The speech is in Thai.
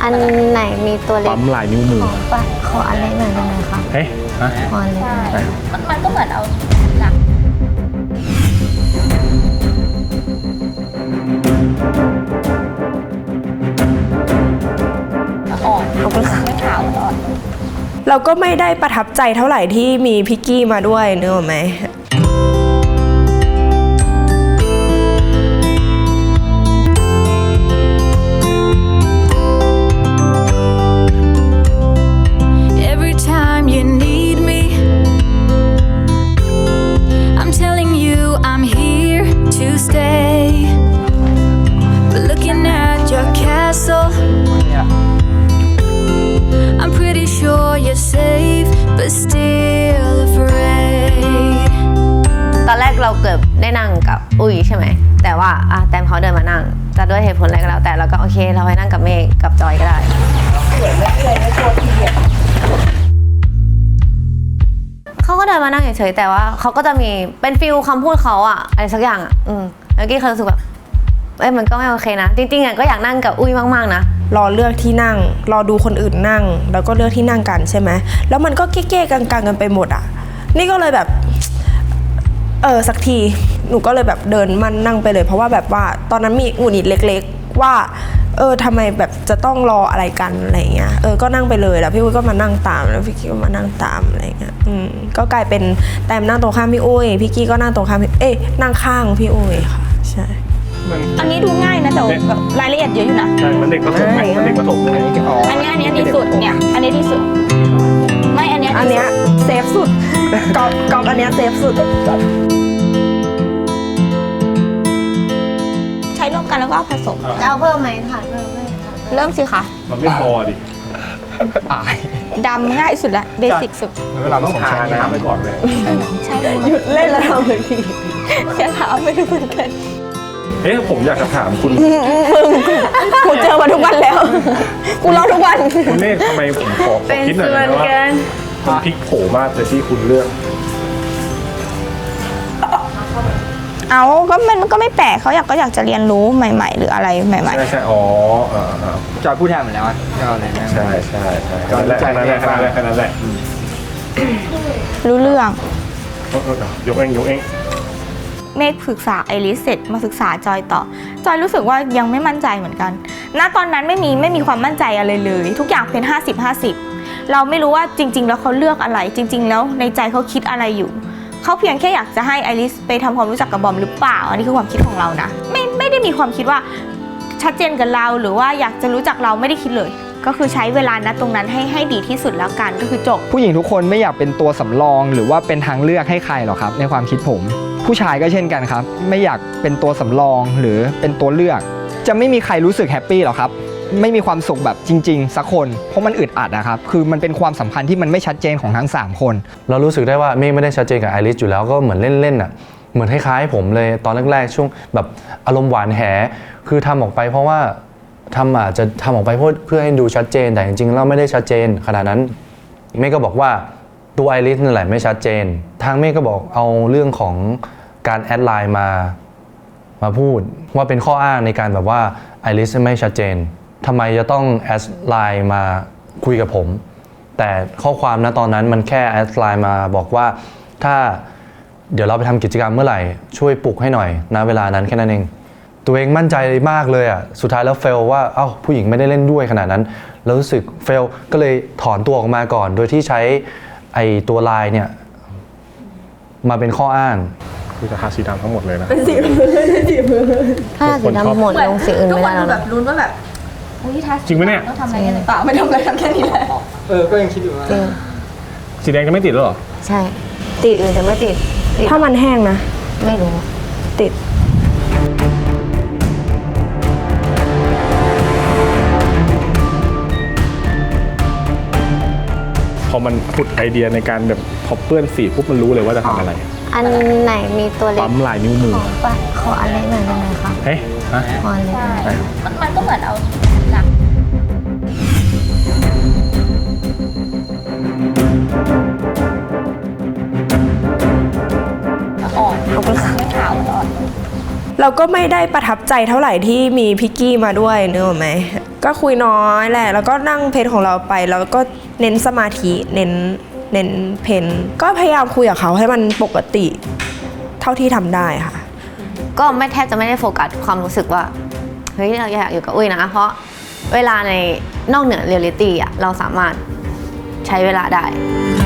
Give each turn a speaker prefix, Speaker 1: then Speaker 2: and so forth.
Speaker 1: อันไหนมีตัวเล็ก
Speaker 2: ปั๊มลายนิ้วมือ
Speaker 1: ขออันเล็กหน่อยได้ไหมคะ
Speaker 2: เฮ้ย
Speaker 1: ขออันเล็ก
Speaker 3: มันก็เหมือนเอาหลักอ่อนไม่ขาวอ่อน
Speaker 4: เราก็ไม่ได้ประทับใจเท่าไหร่ที่มีพิกกี้มาด้วยเนอะไหม
Speaker 1: ตอนแรกเราเกือบได้นั่งกับอุ้ยใช่ไหมแต่ว่าแตมเขาเดินมานั่งจะด้วยเหตุผลอะไรก็แล้วแต่เราก็โอเคเราไปนั่งกับเมฆกับจอยก็ได้เขาก็เดินมานั่งเฉยๆแต่ว่าเขาก็จะมีเป็นฟิลคำพูดเขาอะไรสักอย่างแล้วกี้เคยรู้สึกแบบมันก็ไม่โอเคนะจริงๆก็อยากนั่งกับอุ้ยมากๆนะ
Speaker 4: รอเลือกที่นั่งรอดูคนอื่นนั่งแล้วก็เลือกที่นั่งกันใช่ไหมแล้วมันก็เก้ๆกังๆกันไปหมดนี่ก็เลยแบบสักทีหนูก็เลยแบบเดินมันนั่งไปเลยเพราะว่าแบบว่าตอนนั้นมีหงุดหงิดเล็กๆว่าทำไมแบบจะต้องรออะไรกันอะไรเงี้ยก็นั่งไปเลยแล้วพี่อุ้ยก็มานั่งตามแล้วพี่กี้ก็มานั่งตามอะไรเงี้ยก็กลายเป็นแต้มนั่งตรงข้ามพี่อุ้ยพี่กี้ก็นั่งตรงข้ามนั่งข้างพี่อุ้ยค่ะใช่
Speaker 3: อันนี้ดูง่ายนะแต่แบบรายละเอียดเยอะอยู่นะ
Speaker 2: ใช่มันเด็กประถมไหมมันเด็กประถมเลย
Speaker 3: อันนี้ดีสุดเนี่ยอันนี้ดีสุดไม่อันเนี้ย
Speaker 4: เซฟสุดกอบอันเนี้ยเซฟสุด
Speaker 3: ใช้ร่วมกันแล้วก็ผสม
Speaker 1: จะเอาเพิ่มไหมค่ะ
Speaker 3: เริ่มสิคะ
Speaker 2: มันไม่พอดิ
Speaker 3: ดำง่ายสุดละเบสิกสุด
Speaker 2: เราต้องทาน้ำไปก่อนเลย
Speaker 3: ใช่
Speaker 4: หยุดเล่นแล้วทำเลยพี่
Speaker 3: จะถามไม่รู้เหมือนกัน
Speaker 2: ผมอยากจะถามคุณ
Speaker 4: กูเจอมาทุกวันแล้วกูรอทุกวัน
Speaker 2: คุณเนธทำไมผมขอคิดหน่อยนะว่าคุณพลิกโผมากเลยที่คุณเลือก
Speaker 3: ก็มันก็ไม่แปลกเขาอยากจะเรียนรู้ใหม่ๆหรืออะไรใหม่
Speaker 2: ๆใช่
Speaker 5: จอยพูดแทนหมดแล้วก็อะไรนะ
Speaker 2: ใช่แค่นั้นแหละ
Speaker 3: รู้เรื่อง
Speaker 2: ยกเอง
Speaker 3: เมฆศึกษาไอริสเสร็จมาศึกษาจอยต่อจอยรู้สึกว่ายังไม่มั่นใจเหมือนกันณตอนนั้นไม่มีความมั่นใจอะไรเลยทุกอย่างเป็น50-50เราไม่รู้ว่าจริงๆแล้วเขาเลือกอะไรจริงๆแล้วในใจเขาคิดอะไรอยู่เขาเพียงแค่อยากจะให้ไอริสไปทำความรู้จักกับบอมหรือเปล่าอันนี้คือความคิดของเรานะไม่ได้มีความคิดว่าชัดเจนกับเราหรือว่าอยากจะรู้จักเราไม่ได้คิดเลยก็คือใช้เวลาตรงนั้นให้ดีที่สุดแล้วกันก็คือจบ
Speaker 5: ผู้หญิงทุกคนไม่อยากเป็นตัวสำรองหรือว่าเป็นทางเลือกให้ใครหรอกครับในความคิดผมผู้ชายก็เช่นกันครับไม่อยากเป็นตัวสำรองหรือเป็นตัวเลือกจะไม่มีใครรู้สึกแฮปปี้หรอกครับไม่มีความสุขแบบจริงๆสักคนเพราะมันอึดอัดนะครับคือมันเป็นความสัมพันธ์ที่มันไม่ชัดเจนของทั้ง3คน
Speaker 6: เรารู้สึกได้ว่าเมฆไม่ได้ชัดเจนกับไอริสอยู่แล้วก็เหมือนเล่นเหมือนคล้ายๆผมเลยตอนแรกๆช่วงแบบอารมณ์หวานแหคือทำออกไปเพราะว่าอาจจะทำออกไปเพื่อให้ดูชัดเจนแต่จริงๆเราไม่ได้ชัดเจนขนาดนั้นเมฆก็บอกว่าตัวไอริสนั่นแหละไม่ชัดเจนทางเมฆก็บอกเอาเรื่องของการแอดไลน์มาพูดว่าเป็นข้ออ้างในการแบบว่าไอริสไม่ชัดเจนทำไมจะต้องแอดไลน์มาคุยกับผมแต่ข้อความตอนนั้นมันแค่แอดไลน์มาบอกว่าถ้าเดี๋ยวเราไปทำกิจกรรมเมื่อไหร่ช่วยปลุกให้หน่อยเวลานั้นแค่นั้นเองตัวเองมั่นใจมากเลยสุดท้ายแล้วเฟลว่าผู้หญิงไม่ได้เล่นด้วยขนาดนั้นแล้วรู้สึกเฟลก็เลยถอนตัวออกมาก่อนโดยที่ใช้ไอตัวไลน์เนี่ยมาเป็นข้ออ้าง
Speaker 2: คือจะทาสีดำทั้งหมดเลยนะ
Speaker 4: เป็นสีมือ
Speaker 1: ถ้าสีดำหมดลงสีอื่นไม่ได้แล้วนะ
Speaker 3: ลุ้นว่าแบบ
Speaker 2: จริงไหมเนี่ย
Speaker 3: ต้องทำอะไรกันหรือเปล่าไม่ทำอะไรกันแค่นี้แหละ
Speaker 5: ก็ยังคิดอยู่ว่า
Speaker 2: สีแดงจะไม่ติดหรอ
Speaker 1: ใช่ติดอื่นจะไม่ติด
Speaker 4: ถ้ามันแห้งนะ
Speaker 1: ไม่รู้
Speaker 4: ติด
Speaker 2: พอมันผุดไอเดียในการแบบพอเปื้อนสีปุ๊บมันรู้เลยว่าจะทำอะไร
Speaker 1: อันไหนมีตัวเล็ก
Speaker 2: ปั๊มลายนิ้วมือ
Speaker 1: ขออันเล็กหน่อยได้ไหมคะขออันเล็ก
Speaker 3: มันก็เหมือนเอาหลักอ่อนไม่ขาวอ่อน
Speaker 4: เราก็ไม่ได้ประทับใจเท่าไหร่ที่มีพิกกี้มาด้วยนึกออกไหมก็คุยน้อยแหละแล้วก็นั่งเพลของเราไปแล้วก็เน้นสมาธิเน้นเพลก็พยายามคุยกับเขาให้มันปกติเท่าที่ทำได้ค่ะ
Speaker 1: ก็ไม่แทบจะไม่ได้โฟกัสความรู้สึกว่าเฮ้ยเราอยากอยู่กับอุ้ยนะเพราะเวลาในนอกเหนือเรียลลิตี้อ่ะเราสามารถใช้เวลาได้